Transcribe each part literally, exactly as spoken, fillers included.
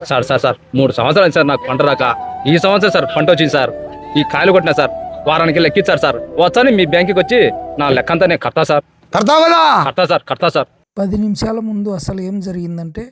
Sir sir sir మూడు సంవత్సరాలు sir నాకు పంట రాక ఈ సంవత్సరం సార్ పంట వచ్చింది సార్. ఈ కాయలు కొట్టినా సార్ వారానికి లెక్కించారు సార్. వచ్చాని మీ బ్యాంకుకి వచ్చి నా లెక్కంతా నేను కడతా సార్. కడతావు కదా? కడతా సార్ కడతా సార్. పది నిమిషాల ముందు అసలు ఏం జరిగిందంటే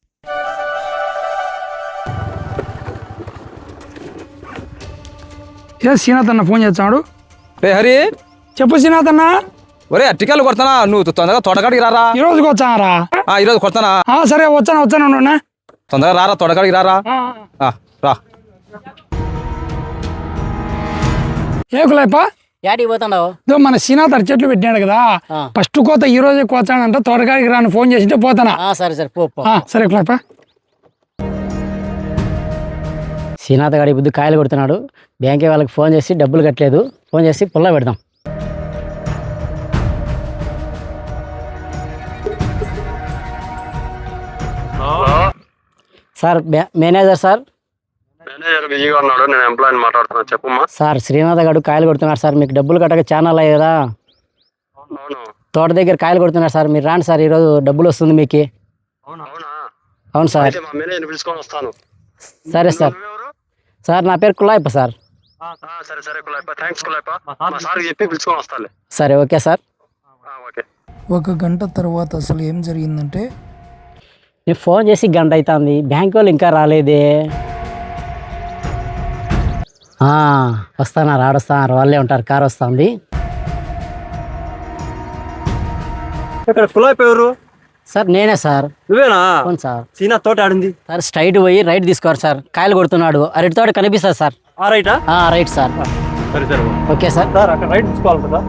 ఏ శ్రీనాథ్ అన్న ఫోన్ చేస్తాడు. రే హరి, చెప్పు శ్రీనాథ్ అన్న. ఒరే అట్టికాయలు కొడతానా? నువ్వు తొందరగా తోటకాడికి రారా. ఈ రోజుకి వచ్చారా? ఈ రోజు కొడతానా? సరే వచ్చాను వచ్చాను అన్న. తొందరగా రారా, తోటకాడికి రారా. ఆ, రా. ఏ కులాయప్ప యాడికి పోతాండావు? ఇదో మన శ్రీనాథ్ అర చెట్లు పెట్టినాడు కదా, ఫస్ట్ కోత ఈ రోజే కోతానంట, తోటకాడికి రాని ఫోన్ చేసింటే పోతానా. సరే సరే పో పో. ఆ, సరే కులాయప్ప. శ్రీనాథ్ గారి బుద్ధి కాయలు కొడుతున్నాడు. బ్యాంకే వాళ్ళకి ఫోన్ చేసి డబ్బులు కట్టలేదు, ఫోన్ చేసి పుల్ల పెడదాం. Sir manager sir. మేనేజర్ బిజీగా ఉన్నాడు, నేను ఎంప్లాయీని మాట్లాడుతున్నా. చెప్పమ్మా. సార్ శ్రీనాథ్ గారు కాయలు కొడుతున్నారు సార్, మీకు డబ్బులు కట్టక ఛానల్ అయ్యి కదా. అవును. తోట దగ్గర కాయలు కొడుతున్నారు సార్, మీరు రాండి సార్, ఈరోజు డబ్బులు వస్తుంది మీకు. అవునా? అవును సార్. మా మేనేజర్ పిలుచుకొని వస్తాను. సరే సార్. సార్ నా పేరు కులాయప్ప సార్. సరే సరే కులాయప్ప, థ్యాంక్స్ కులాయప్ప. మా సార్కి చెప్పి పిలుచుకొని వస్తాలే. సరే ఓకే సార్. ఓకే. ఒక గంట తర్వాత అసలు ఏం జరిగిందంటే నేను ఫోన్ చేసి గంట అవుతుంది, బ్యాంక్ వాళ్ళు ఇంకా రాలేదే. వస్తానారు, ఆడొస్తున్నారు, వాళ్ళే ఉంటారు, కార్ వస్తుంది. ఇక్కడ కులాయప్ప ఎవరు? సార్ నేనే సార్. నువ్వేనా? అవును సార్. సీనా తోట ఆడింది సార్, స్ట్రైట్ పోయి రైట్ తీసుకోరు సార్, కాయలు కొడుతున్నాడు, అరటి తోట కనిపిస్తుంది సార్. ఆ రైటా? Right sir. సరే సరే ఓకే సార్. సార్ అక్కడ రైట్ తీసుకోవాలి కదా.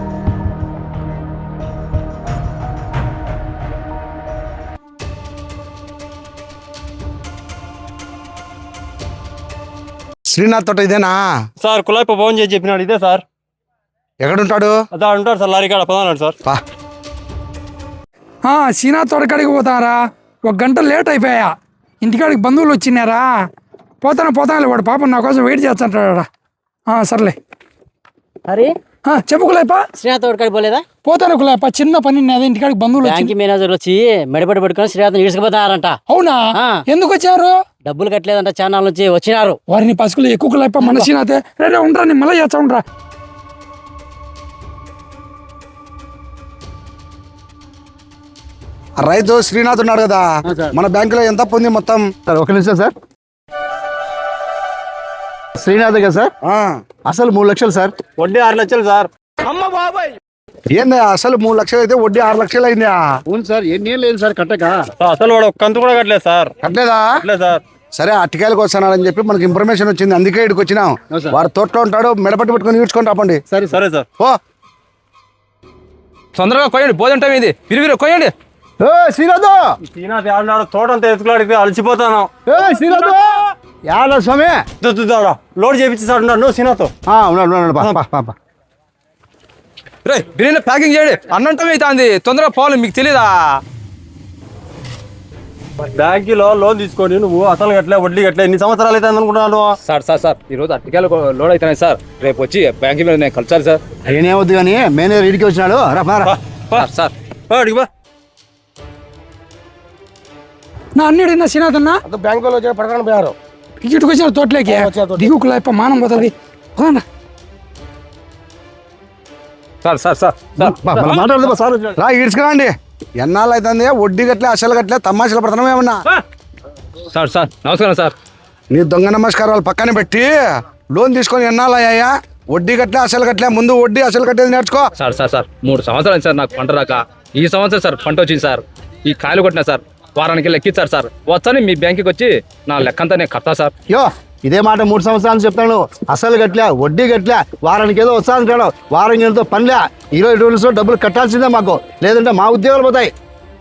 శ్రీనాథ్ తోట ఇదేనా? సార్ కులాయప్ప ఫోన్ చేసి చెప్పినాడు, ఇదే సార్. ఎక్కడుంటాడు? అదా ఉంటాడు సార్, లారీ కాడ పదన్నాడు సార్. పా. ఆ, శ్రీనాథ్ తోటకాడికి పోతారా? ఒక గంట లేట్ అయిపోయా, ఇంటికాడికి బంధువులు వచ్చినారా. పోతాను పోతాను, వాడు పాపం నా కోసం వెయిట్ చేస్తాంటాడా. సర్లే. అరే చెప్పు కులాయప్ప. శ్రీనాథ్ తోటకాడికి పోలేదా? పోతాను కులాయప్ప, చిన్న పని అదే, ఇంటికాడికి బంధువులు బ్యాంక్ మేనేజర్ వచ్చి మెడపడి పట్టుకొని శ్రీనాథ్ ఇసుకుపోతారంట. అవునా? ఎందుకు వచ్చారు? డబ్బులు కట్టలేదంట, ఛానల్ నుంచి వచ్చినారు. వారిని పసుకులు ఎక్కువ కులాయప్ప, మన శ్రీనాథే. రే ఉండరా, నేను మళ్ళీ చేస్తా ఉండరా. రైతు శ్రీనాథ్ ఉన్నాడు కదా, మన బ్యాంకులో ఎంత పొంది మొత్తం? సార్ ఒక నిమిషం సార్. శ్రీనాథ్ కదా సార్, అసలు మూడు లక్షలు సార్, వడ్డీ ఆరు లక్షలు సార్. ఏందా అసలు మూడు లక్షలు అయితే వడ్డీ ఆరు లక్షలు అయిందా? అవును సార్. ఎన్ని ఏళ్ళు లేదు సార్ కట్టక. అసలు వాడు ఒక కంతు కూడా కట్టలేదు సార్. కట్టలేదా? కట్టలేదు సార్. సరే అట్టికాయలకు వస్తున్నాడని చెప్పి మనకి ఇన్ఫర్మేషన్ వచ్చింది, అందుకే ఇక్కడికి వచ్చినాం. వాడు తోటలో ఉంటాడు, మెడపట్టి పట్టుకొని ఈడ్చుకొని రాపండి. సరే సరే సార్. ఓ తొందరగా కొయ్యండి, భోజనం టైం ఇది. విరివిరి కొయ్యండి. శ్రీనాథ్ శ్రీనాథ్ ఆడినాడు, తోట అంతా ఎత్తుకులాడికి అలసిపోతాను. శ్రీనాథ్ యాడ స్వామి, లోడ్ చేపించి సార్ ఉన్నాడు. నువ్వు శ్రీనాథ్ ఉన్నాడు ఉన్నాడు. రే బిర్యానీ ప్యాకింగ్ చేయండి, అన్నం టైం అవుతుంది, తొందరగా పోవాలి. మీకు తెలీదా? బ్యాంకులో లోన్ తీసుకొని నువ్వు అసలు కట్టలే, వడ్డీ కట్టలే, ఎన్ని సంవత్సరాలు అయితే అనుకుంటున్నాను. సార్ సార్ సార్ ఈ రోజు అట్టికాయలు లోడ్ అవుతున్నాయి సార్, రేపు వచ్చి బ్యాంక్ మీద నేను కలిసాలి సార్. ఏమవుద్దు కానీ మేనేజర్ ఇడికి వచ్చినాడు. సార్ సార్ నా అన్నిడినా శ్రీనాథ్ అన్న బ్యాంకులో వచ్చి పడకుండా పోయారు. ఇటుకు వచ్చిన తోటలోకి దిగు కులాయప్ప, మానం పోతుంది. సార్ సార్ సార్ మాట్లాడదు సార్. రా ఈడ్చుకురండి. ఎన్నాళ్ళు అవుతుంది వడ్డీ గట్లే అసలు గట్లే తమాషాలు పడుతున్నాం ఏమన్నా? సార్ సార్ నమస్కారం సార్. నీ దొంగ నమస్కారాలు పక్కన పెట్టి లోన్ తీసుకొని ఎన్నాళ్ళు అయ్యాయా? వడ్డీ గట్లే అసలు గట్లే, ముందు వడ్డీ అసలు కట్టేది నేర్చుకో. సార్ సార్ సార్ మూడు సంవత్సరాలు సార్ నాకు పంట రాక, ఈ సంవత్సరం సార్ పంట వచ్చింది సార్. ఈ కాయలు కొట్టినా సార్ వారానికి లెక్కించారు సార్. వచ్చాని మీ బ్యాంకుకి వచ్చి నా లెక్కంతా నేను కడతా సార్. యో ఇదే మాట మూడు సంవత్సరాలు చెప్తాను. అసలు గట్లే, వడ్డీ గట్లే, వారానికి ఏదో వస్తా అంటాడు, వారం ఏదో పనిలే. ఇరవై రోజులు డబ్బులు కట్టాల్సిందే మాకు, లేదంటే మా ఉద్యోగాలు పోతాయి.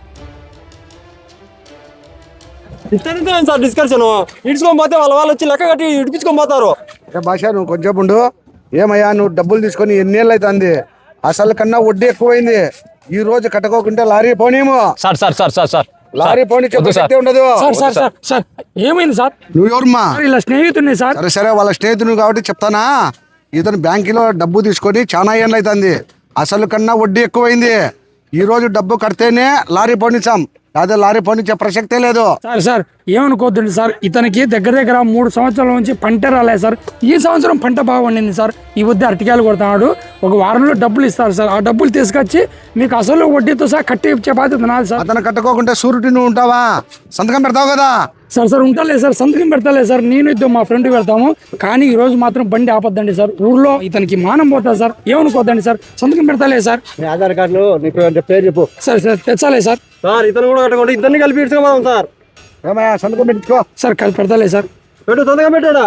ఇతనితో సార్ డిస్కషన్, ఇడ్చుకొని పోతే వాళ్ళ వాళ్ళు వచ్చి లెక్క కట్టి ఇడిపించుకొని పోతారు. భాష నువ్వు కొంచెం ఉండు. ఏమయ్యా నువ్వు డబ్బులు తీసుకొని ఎన్నేళ్ళు అవుతుంది? అసలు కన్నా వడ్డీ ఎక్కువైంది. ఈ రోజు కట్టుకోకుంటే లారీ పోనీము. Sir sir sir sir sir lorry పోనీ చెప్పే ఉండదు. సార్ సార్ సార్ సార్ ఏమైంది సార్? నువ్వు ఎవరమ్మా? ఇలా స్నేహితుడిని సార్. సరే సరే వాళ్ళ స్నేహితుడు కాబట్టి చెప్తానా. ఇతను బ్యాంకులో డబ్బు తీసుకొని చాలా ఏళ్ళు అవుతుంది, అసలు కన్నా వడ్డీ ఎక్కువైంది. ఈ రోజు డబ్బు కడితేనే లారీ పోనిచ్చాం, అదే లారీ పోనిచ్చే ప్రసక్తే లేదు. సార్ సార్ ఏమనుకోవద్దండి సార్, ఇతనికి దగ్గర దగ్గర మూడు సంవత్సరాల నుంచి పంట రాలేదు సార్. ఈ సంవత్సరం పంట బాగా పండింది సార్. ఈ వద్ద అరటికాయలు కొడతాడు, ఒక వారంలో డబ్బులు ఇస్తారు సార్. ఆ డబ్బులు తీసుకొచ్చి మీకు అసలు వడ్డీతో సహా కట్టి ఇచ్చే బాధ్యత నాది సార్. అతను కట్టుకోకుంటే సూరిటీ నువ్వు ఉంటావా? సంతకం పెడతావు కదా? సార్ సార్ ఉంటాలే సార్, సంతకం పెడతాలే సార్. నేను ఇద్దరు మా ఫ్రెండ్ పెడతాము, కానీ ఈ రోజు మాత్రం బండి ఆపద్దండి సార్. ఊర్లో ఇతనికి మానం పోతుంది సార్, ఏమనుకోద్దండి సార్. సంతకం పెడతాలే సార్. ఆధార్ కార్డులో నీకు పేరు చెప్పు. సార్ సార్ తెచ్చాలే సార్. సార్ ఇతను కూడా కట్టకుండా ఇద్దరిని కలిపి ఇడ్చుకోమదాం సార్. ఏమయ్యా సంతకం పెట్టుకో. సార్ కలిపి పెడతాలే సార్. పెట్టు, తొందరగా పెట్టాడా.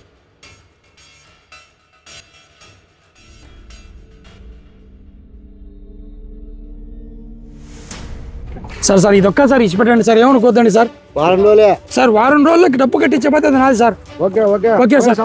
సార్ సార్ ఇది ఒక్కసారి ఇచ్చి పెట్టండి సార్, ఏమనుకోద్దండి సార్. వారం రోజులే సార్ వారం రోజులకి డబ్బు కట్టించే బాధ్యత నాది సార్. Okay okay okay sir.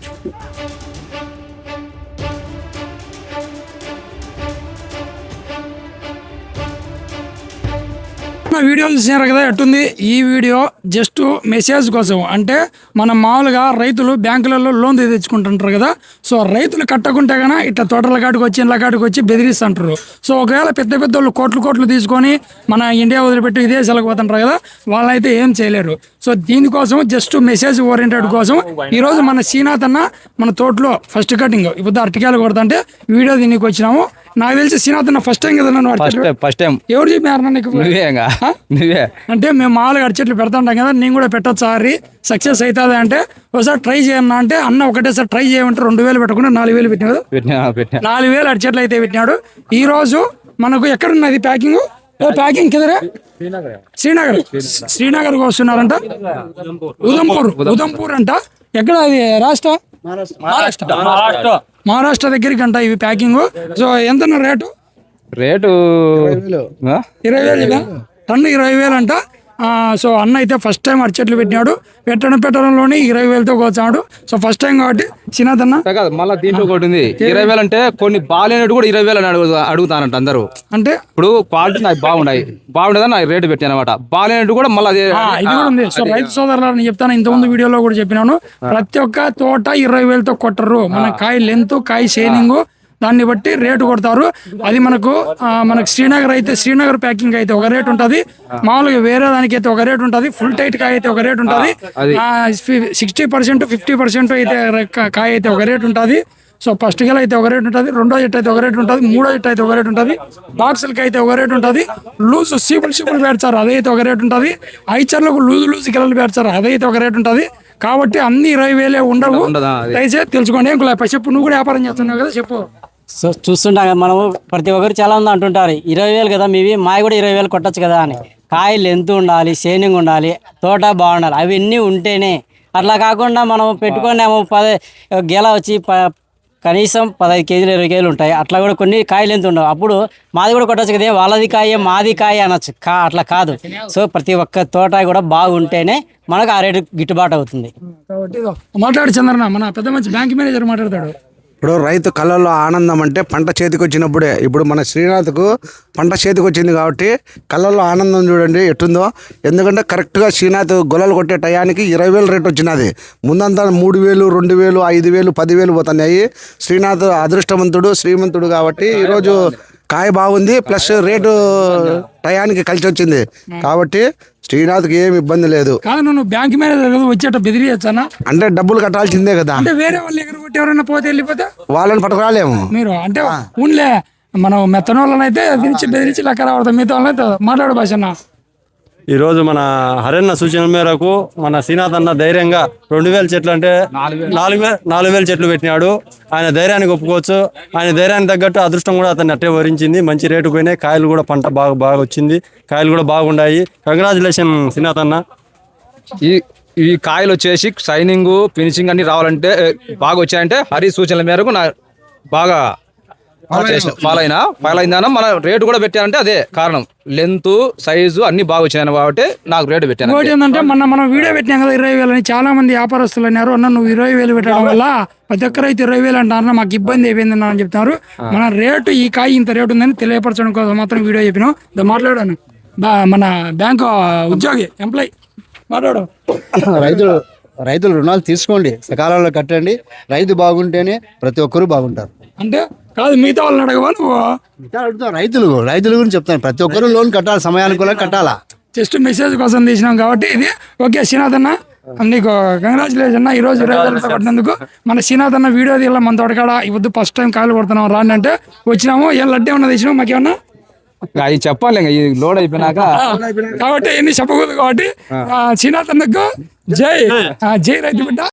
నా వీడియో చూసినారు కదా ఎట్టుంది. ఈ వీడియో జస్ట్ మెసేజ్ కోసం, అంటే మనం మామూలుగా రైతులు బ్యాంకులలో లోన్ తెచ్చుకుంటుంటారు కదా. సో రైతులు కట్టకుంటే కన్నా ఇట్లా తోటల కాడికి వచ్చి ఇండ్ల కాడికి వచ్చి బెదిరిస్తుంటారు. సో ఒకవేళ పెద్ద పెద్ద వాళ్ళు కోట్లు కోట్లు తీసుకొని మన ఇండియా వదిలిపెట్టి విదేశాలకు పోతుంటారు కదా, వాళ్ళైతే ఏం చేయలేరు. సో దీనికోసం జస్ట్ మెసేజ్ ఓరియంటెడ్ కోసం ఈరోజు మన శ్రీనాథ్ అన్న మన తోటలో ఫస్ట్ కటింగ్ ఇప్పుడు అరటికాయలు కొడతాంటే వీడియో దీనికి వచ్చినాము. నాకు తెలిసి శ్రీనాథ్ అన్న ఫస్ట్ టైం కదా నన్ను అరచెట్లు ఫస్ట్ టైం ఎవరు చెప్పారు నీకు? నువ్వే అంటే మేము మామూలుగా అరచెట్లు పెడతాంటాం కదా, నేను కూడా పెట్టచ్చు సారి సక్సెస్ అవుతుంది అంటే ఒకసారి ట్రై చేయన్నా అంటే అన్న ఒకటేసారి ట్రై చేయమంటే రెండు వేలు పెట్టకుండా నాలుగు వేలు పెట్టినాడు. నాలుగు వేలు అరచెట్లు అయితే పెట్టినాడు. ఈ రోజు మనకు ఎక్కడున్నది ప్యాకింగ్? ప్యాకింగ్ కిదరే శ్రీనగర్ శ్రీనగర్ వస్తున్నారంట. ఉదంపూర్ ఉదంపూర్ అంట. ఎక్కడ అది? రాష్ట్ర మహారాష్ట్ర మహారాష్ట్ర దగ్గరికి అంట ఇవి ప్యాకింగ్. సో ఎంత రేటు? రేటు ఇరవై వేలు టన్ను ఇరవై వేలు అంట. సో అన్న అయితే ఫస్ట్ టైం అరచెట్లు పెట్టినాడు. పెట్టడం పెట్టడంలోనే ఇరవై వేలతో కోచాడు. సో ఫస్ట్ టైం కాబట్టి శ్రీనాథ్ అన్న మళ్ళీ దీంట్లో ఒకటి ఉంది. ఇరవై వేలు అంటే కొన్ని బాగాలేనట్టు కూడా ఇరవై వేలు అని అడుగు అడుగుతానంట అందరూ. అంటే ఇప్పుడు క్వాలిటీ నాకు బాగున్నాయి బాగుండేదని నాకు రేటు పెట్టాను అనమాట. బాగాలేనట్టు కూడా మళ్ళీ ఇది కూడా ఉంది. సో రైతు సోదరులు నేను చెప్తాను, ఇంతకుముందు వీడియోలో కూడా చెప్పినాను, ప్రతి ఒక్క తోట ఇరవై వేలతో కొట్టరు. మన కాయ లెంత్ కాయ షైనింగ్ దాన్ని బట్టి రేటు కొడతారు. అది మనకు మనకు శ్రీనగర్ అయితే శ్రీనగర్ ప్యాకింగ్ అయితే ఒక రేట్ ఉంటుంది, మామూలుగా వేరే దానికి అయితే ఒక రేట్ ఉంటుంది, ఫుల్ టైట్ కాయ అయితే ఒక రేట్ ఉంటుంది, సిక్స్టీ పర్సెంట్ ఫిఫ్టీ పర్సెంట్ అయితే కాయ అయితే ఒక రేట్ ఉంటుంది. సో ఫస్ట్ గెల అయితే ఒక రేట్ ఉంటుంది, రెండో జట్టు అయితే ఒక రేట్ ఉంటుంది, మూడో జట్టు అయితే ఒక రేట్ ఉంటుంది, బాక్సులకి అయితే ఒక రేట్ ఉంటుంది, లూజ్ సీపులు సీపులు పెడతారు అదైతే ఒక రేట్ ఉంటుంది, ఐచర్లకు లూజ్ లూజ్ గిలలు పెడతారు అదైతే ఒక రేట్ ఉంటుంది. కాబట్టి అన్ని ఇరవై వేలే ఉండవు, దయచేసి తెలుసుకోండి. ఏం చెప్పు, నువ్వు కూడా వ్యాపారం చేస్తున్నావు కదా, చెప్పు. సో చూస్తుంటాం కదా మనము, ప్రతి ఒక్కరు చాలా మంది అంటుంటారు ఇరవై వేలు కదా మీవి, మావి కూడా ఇరవై వేలు కొట్టచ్చు కదా అని. కాయలు ఎంత ఉండాలి, షైనింగ్ ఉండాలి, తోట బాగుండాలి, అవన్నీ ఉంటేనే. అట్లా కాకుండా మనం పెట్టుకున్నాము పది గెల వచ్చి ప కనీసం పదహైదు కేజీలు ఇరవై కేజీలు ఉంటాయి, అట్లా కూడా కొన్ని కాయలు ఎంత ఉండవు. అప్పుడు మాది కూడా కొట్టచ్చు కదా, వాళ్ళది కాయ మాది కాయ అనొచ్చు. కా అట్లా కాదు. సో ప్రతి ఒక్క తోట కూడా బాగుంటేనే మనకు ఆ రేటు గిట్టుబాటు అవుతుంది. మాట్లాడు చంద్రన్న, మన పెద్ద మంచి బ్యాంక్ మేనేజర్ మాట్లాడతాడు. ఇప్పుడు రైతు కళ్ళల్లో ఆనందం అంటే పంట చేతికి వచ్చినప్పుడే. ఇప్పుడు మన శ్రీనాథ్కు పంట చేతికి వచ్చింది కాబట్టి కళ్ళల్లో ఆనందం చూడండి ఎట్టుందో. ఎందుకంటే కరెక్ట్గా శ్రీనాథ్ గొల్లలు కొట్టే టయానికి ఇరవై వేలు రేట్ వచ్చినది. ముందంతా మూడు వేలు రెండు వేలు ఐదు వేలు పదివేలు పోతున్నాయి. శ్రీనాథ్ అదృష్టవంతుడు శ్రీమంతుడు కాబట్టి ఈరోజు కాయ బాగుంది, ప్లస్ రేటు టయానికి కలిసి వచ్చింది కాబట్టి శ్రీనాథ్కి ఏమి ఇబ్బంది లేదు. కాదు, నువ్వు బ్యాంక్ మేనేజర్ కదా, వచ్చేట బెదిరియచ్చానా? అంటే డబ్బులు కట్టాల్సిందే కదా. అంటే వేరే వాళ్ళు ఎక్కడ కొట్టి ఎవరైనా పోతే వెళ్ళిపోతే వాళ్ళని పట్టుకురాలేము మీరు. అంటే ఊన్లే మనం మెత్తన వాళ్ళనైతే బెదిరించి బెదిరించి లెక్క రావడతాం, మిగతా వాళ్ళనైతే మాట్లాడు భాషన్న. ఈరోజు మన హరన్న సూచన మేరకు మన శ్రీనాథ్ అన్న ధైర్యంగా రెండు వేల చెట్లు అంటే నాలుగు వేల నాలుగు వేల చెట్లు పెట్టినాడు. ఆయన ధైర్యానికి ఒప్పుకోవచ్చు. ఆయన ధైర్యానికి తగ్గట్టు అదృష్టం కూడా అతన్ని అట్టే వరించింది. మంచి రేటు పోయినాయి, కాయలు కూడా పంట బాగా బాగా వచ్చింది, కాయలు కూడా బాగున్నాయి. కంగ్రాచులేషన్ శ్రీనాథ్ అన్న. ఈ ఈ కాయలు వచ్చేసి షైనింగ్ ఫినిషింగ్ అన్ని రావాలంటే బాగా వచ్చాయంటే హరి సూచనల మేరకు నా బాగా ఫాలో అయినా ఫాలో అయిందా మన రేటు కూడా పెట్టానంటే అదే కారణం. లెంత్ సైజు అన్ని బాగా వచ్చాయని కాబట్టి నాకు రేటు పెట్టాను. ఇంకోటి ఏంటంటే మొన్న మనం వీడియో పెట్టినాం కదా ఇరవై వేలు అని, చాలా మంది వ్యాపారస్తులు అన్నారు అన్న నువ్వు ఇరవై వేలు పెట్టడం వల్ల ప్రతి ఒక్కరు అయితే ఇరవై వేలు అంటారు, మాకు ఇబ్బంది అయిపోయింది అని చెప్తున్నారు. మన రేటు ఈ కాయ ఇంత రేటు ఉందని తెలియపరచడం కోసం మాత్రం వీడియో చెప్పినాం. మాట్లాడాను మన బ్యాంకు ఉద్యోగి ఎంప్లాయ్ మాట్లాడు. రైతులు రైతులు రుణాలు తీసుకోండి, సకాలంలో కట్టండి. రైతు బాగుంటేనే ప్రతి ఒక్కరు బాగుంటారు. అంటే కాదు, మిగతా వాళ్ళని అడగవా నువ్వు? అడుగుతాం రైతులు రైతుల గురించి చెప్తాను. ప్రతి ఒక్కరు లోన్ కట్టాలి, సమయానుకూలంగా కట్టాలా. జస్ట్ మెసేజ్ కోసం తీసినాం కాబట్టి ఇది ఓకే. శ్రీనాథ్ అన్న నీకు కంగ్రాచులేషన్ అన్న, ఈ రోజు ఇరవై వేలతో కొట్టినందుకు. మన శ్రీనాథ్ అన్న వీడియో తీయాల మన తోటకాడ ఈ వద్దు ఫస్ట్ టైం కాయలు కొడుతున్నాం రాండి అంటే వచ్చినాము. ఏం లడ్డే ఉన్నది ఇచ్చినాము మాకేమన్నా అవి చెప్పాలి ఇంకా ఈ లోడ్ అయిపోయినాక. కాబట్టి ఎన్ని చెప్పకూడదు కాబట్టి శ్రీనాథ్ అన్నకు జై, జై రైతు బిడ్డ.